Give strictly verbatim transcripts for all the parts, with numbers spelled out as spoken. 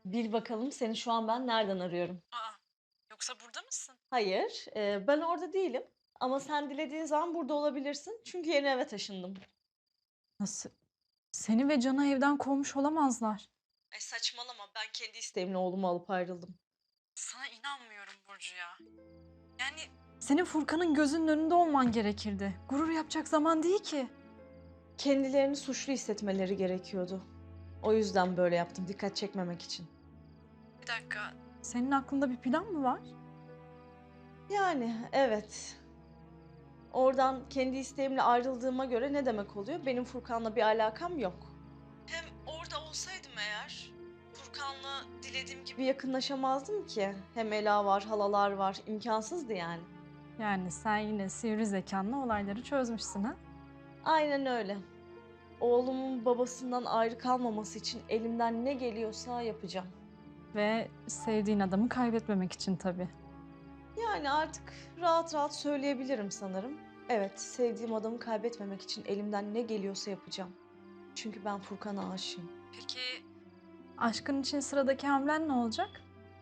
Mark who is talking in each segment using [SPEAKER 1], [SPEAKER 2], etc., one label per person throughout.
[SPEAKER 1] Bil bakalım seni şu an ben nereden arıyorum?
[SPEAKER 2] A! Yoksa burada mısın?
[SPEAKER 1] Hayır, eee, ben orada değilim ama sen dilediğin zaman burada olabilirsin çünkü yeni eve taşındım.
[SPEAKER 2] Nasıl? Seni ve Can'ı evden kovmuş olamazlar.
[SPEAKER 1] Ay saçmalama, ben kendi isteğimle oğlumu alıp ayrıldım.
[SPEAKER 2] Sana inanmıyorum Burcu ya. Yani senin Furkan'ın gözünün önünde olman gerekirdi. Gurur yapacak zaman değil ki.
[SPEAKER 1] Kendilerini suçlu hissetmeleri gerekiyordu. O yüzden böyle yaptım, dikkat çekmemek için.
[SPEAKER 2] Bir dakika. Senin aklında bir plan mı var?
[SPEAKER 1] Yani evet. Oradan kendi isteğimle ayrıldığıma göre ne demek oluyor? Benim Furkan'la bir alakam yok. Hem orada olsaydım eğer Furkan'la dilediğim gibi yakınlaşamazdım ki. Hem Ela var, halalar var. İmkansızdı yani.
[SPEAKER 2] Yani sen yine sivri zekanla olayları çözmüşsün ha?
[SPEAKER 1] Aynen öyle. Oğlumun babasından ayrı kalmaması için elimden ne geliyorsa yapacağım.
[SPEAKER 2] Ve sevdiğin adamı kaybetmemek için tabii.
[SPEAKER 1] Yani artık rahat rahat söyleyebilirim sanırım. Evet, sevdiğim adamı kaybetmemek için elimden ne geliyorsa yapacağım. Çünkü ben Furkan'a aşığım.
[SPEAKER 2] Peki aşkın için sıradaki hamlen ne olacak?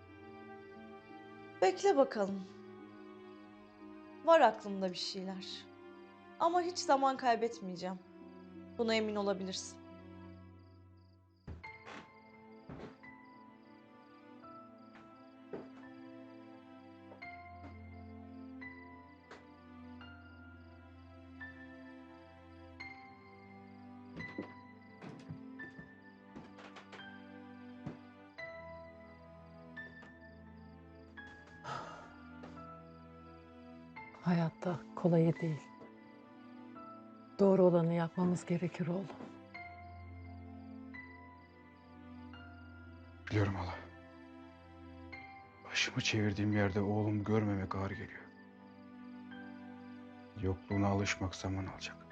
[SPEAKER 1] Bekle bakalım. Var aklımda bir şeyler. Ama hiç zaman kaybetmeyeceğim. Buna emin olabilirsin.
[SPEAKER 3] Hayatta kolayı değil. Doğru olanı yapmamız gerekir oğlum.
[SPEAKER 4] Biliyorum hala. Başımı çevirdiğim yerde oğlumu görmemek ağır geliyor. Yokluğuna alışmak zaman alacak.